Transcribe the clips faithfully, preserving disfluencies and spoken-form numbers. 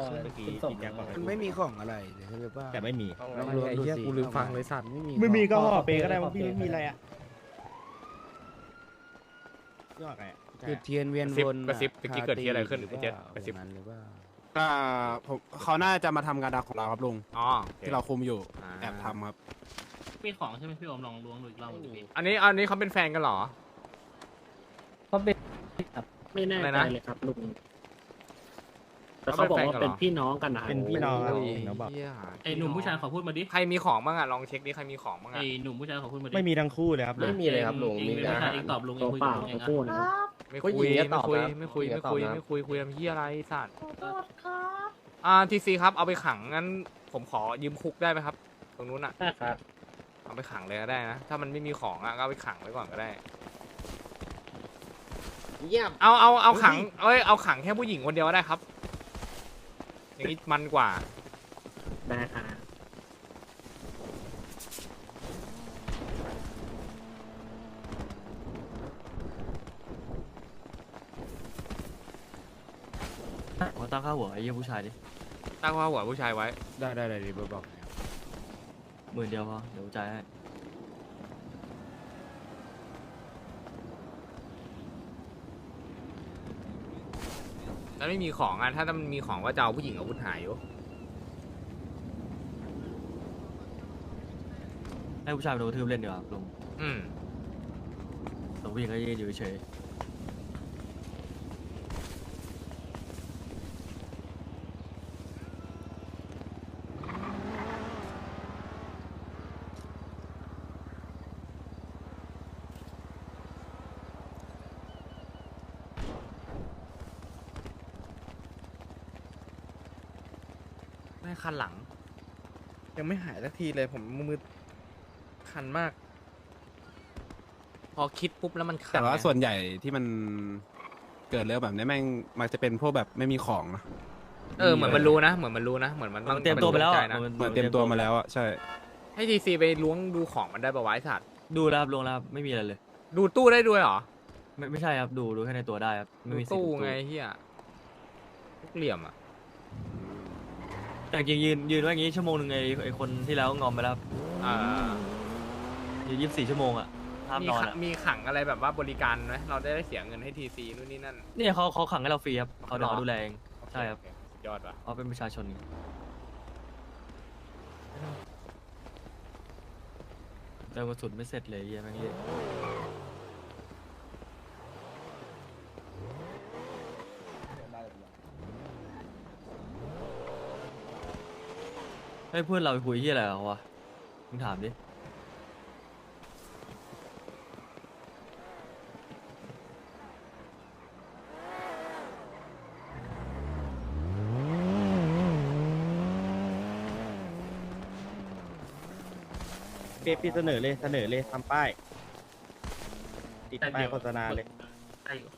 ขึ้นเมื่อกี้ขึ้นส่งพี่แจ็คบอกให้มันไม่มีของอะไรเลยใช่ป่ะแต่ไม่มีลองรวมดูสิกูลืมฟังเลยสัตว์ไม่มีไม่มีก็ขอห่อขอเปก็ได้ขอว่าพี่เปไม่มีอะไรอ่ะยอดไงจุดเทียนเวียนวนกระซิบกระซิบเมื่อกี้เกิดที่อะไรขึ้นไอ้เจ็ดกระซิบนั้นหรือเปล่าอ่าผมเขาน่าจะมาทำงานดักของเราครับลุงอ๋อโอคที่เราคุมอยู่อ่าแอบทำครับมีของใช่ไหมพี่โอมลองล้วงดูอีกรอบหนึ่งดิอันนี้อันนี้เขาเป็นแฟนกันเหรอเขาเป็นครับไม่แน่อะไรใจนะเลยครับลุงแต่เขาบอกว่าเป็นพี่น้องกันนะเป็นพี่น้องครับโอ้ยน้องบอกเหี้ยไอ้หนุ่มผู้ชายขอพูดมาดิใครมีของบ้างอะลองเช็คดิใครมีของบ้างไอ้อะหนุ่มผู้ชายขอพูดมาดิไม่มีทั้งคู่เลยครับลุไม่งมีเลยครับลุงเองมีเป็นแต่ผู้ชายเองตอบลุงเองคุยเปกับล่าลุงเองพูดอะนะครับไม่ผู้คุยหญิงก็ตไม่อบคุยนะไม่คุยผู้หญิงไม่ก็ตอบคุยนะไม่คุยคุยทำเหี้ยอะไรสัตว์อ่าทีซีครับเอาไปขังงั้นผมขอยืมคุกได้ไหมครับ ตรงนู้นอะได้ครับเอาไปขังเลยก็ได้นะถ้ามันไม่มีของอะก็เอาไปขังไว้ก่อนก็ได้เยี่ยมเอาเอาเอาขังเอ้ยเอาขังแค่ผู้หญิงคนเดียวก็ได้ครับ อย่างนี้มันกว่าได้ครับผมตั้งค่าหัวไอ้เยี่ยผู้ชายดิตั้งว่าหัวผู้ชายไว้ได้ได้ได้ดีบอกนะครับหมื่นเดียวพอเดี๋ยวจ่ายให้แล้วไม่มีของอ่ะถ้ามันมีของก็จะเอาผู้หญิงอาวุธหายอยู่ให้ผู้ชายไปโดนกระทืบเล่นดีกว่าลุงอืมแต่ผู้หญิงก็ยืนอยู่เฉยไม่คันหลัง ยังไม่หายสักทีเลยผมมือคันมาก พอคิดปุ๊บแล้วมันคันแต่ว่าไงส่วนใหญ่ที่มันเกิดเรื่องแบบนี้แม่งมักจะเป็นพวกแบบไม่มีของนะเออเหมือนมันรู้นะเหมือนมันรู้นะเหมือนมันๆต้มัองนเตรียมตัวไปแล้วใจอะนะเหมือนเต็มตัวมาแล้วอะใช่ให้ทีซีไปล้วงดูของมันได้ปะวะไอ้สัตว์ดูแล้วครับลุงแล้วครับไม่มีอะไรเลยดูตู้ได้ด้วยเหรอไม่ไม่ใช่ครับดูดูแค่ในตัวได้ครับดูไม่มีสิทธิ์ตู้ดูไงเฮียทุกเหลี่ยมอ่ะแต่จริงๆยืนยืนไว้อย่างงี้ชั่วโมงหนึ่งไอ้ไอ้คนที่แล้วงอมไปแล้วครับอ่ายืนยี่สิบสี่ชั่วโมงอะห้ามมีนอนขังอะมีขังอะไรแบบว่าบริการไหมเราได้ได้เสียเงินให้ทีซีนู่นนี่นั่นเนี่ยเขาเขาขังให้เราฟรีครับเขาหรอเดี๋ยวเขาดูแลเองใช่ครับโอเยอดว่ะเขาเป็นประชาชนไงแต่กระสุนไม่เสร็จเลยไอ้เหี้ยแม่งเละให้เพื่อนเราไปคุยที่อะไรกับเขาวะมึงถามดิเปปีเสนอเลยเสนอเลยทำป้ายติดป้ายโฆษณาเลยได้อยู่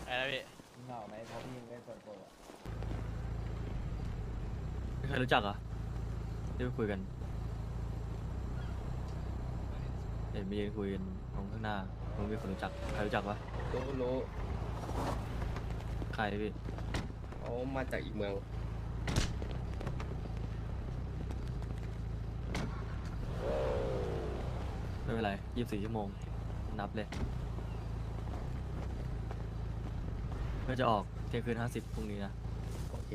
ไม่เคยรู้จักเหรอ่ะที่ไปคุยกันเห็นมียืนคุยกันตรงข้างหน้ามึงมีคนรู้จักใครรู้จักปะรู้รู้ใครพี่เขามาจากอีกเมืองไม่เป็นไรยี่สิบสี่ชั่วโมงนับเลยเพื่อจะออกเที่ยงคืนห้าสิบพรุ่งนี้นะโอเค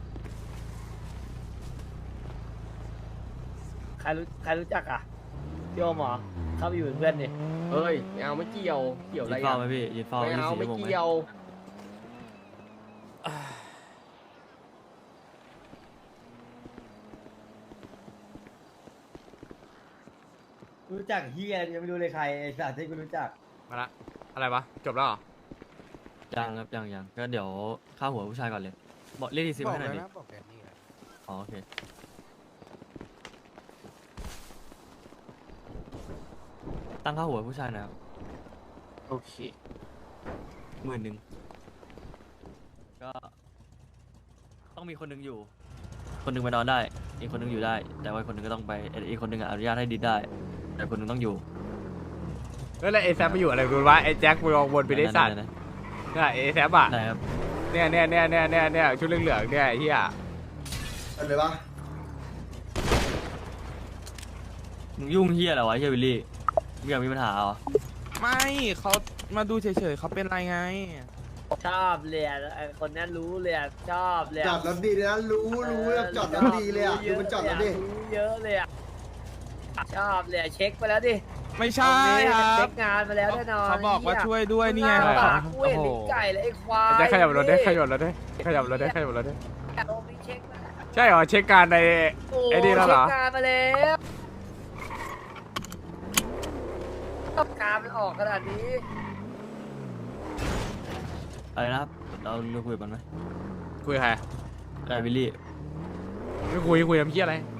ใครรู้ใครรู้จักอ่ะพี่โอมเหรอเข้าไปอยู่เป็นเพื่อนดิเฮ้ยไม่เอาไม่เกี่ยวเกี่ยวอะไรยืนเฝ้าอ่ะไหมพี่ยืนเฝ้าไม่ยี่สิบเอาสี่ไม่ชั่วโมงไหมเกี่ยวรู้จักเฮียยังไม่รู้เลยใครไอ้สัตว์ที่กูรู้จักมาละอะไรวะจบแล้วเหรอยังครับยังยังก็เดี๋ยวค่าหัวผู้ชายก่อนเลยบอกเรียกทีซีบอมาก ให้หน่อยดิแล้วนะบอกแค่นี้แหละอ๋อโอเคตั้งค่าหัวผู้ชายนะครับโอเคหมื่นหนึ่งก็ต้องมีคนหนึงอยู่ คนหนึงไปนอนได้ อีกคนหนึงอยู่ได้ แต่ว่าอีกคนหนึงก็ต้องไปเอ่ออีกคนหนึงอะอนุญาตให้ดิดได้ แต่คนหนึงต้องอยู่แล้วไอ้แซมไปอยู่อะไรกูวะไอ้แจ็คไปลองวนไปได้สัตว์นั่นเนี่ยไอ้แซมอ่ะๆๆได้ครับเนี่ยเนี่ยเนี่ยเนี่ยเนี่ยเนี่ยชุดเหลืองๆเนี่ยไอ้เหี้ยเป็นเลยปะมึงยุ่งเฮียอะไรวะเฮียวิลลี่มึงอยากมีปัญหาเหรอไม่เขามาดูเฉยๆเขาเป็นไรไงชอบเลยอะไอคนนั้นรู้เลยอะชอบเลยจออะดรถดีเลยนะรู้รู้แบบจอดรถดีเลยอ่ะดูมันจอดรถดิรู้เยอะเลยอะชอบเลยอะเช็คไปแล้วดิไม่ใช่ครัเช็บคงานมาแล้วแน่นอนเขาบอกว่าช่วยด้วยนี่ไงหาเขาปากกูเห็นลิ้นไก่เลยไอ้ควายได้ขยับรถได้ขยับรถได้ขยับรถได้ขยับรถได้โอ้ยเช็คมาแล้วใช่เหรอเช็คการในโอ้ไอ้นี่แล้วเหรอเช็คงานมาแล้วการมันออกขนาดนี้อะไรนะครับเราเราคุยกันไหมคุยกับใครไอ้วิลลี่ไม่คุยคุยกับพี่อะไร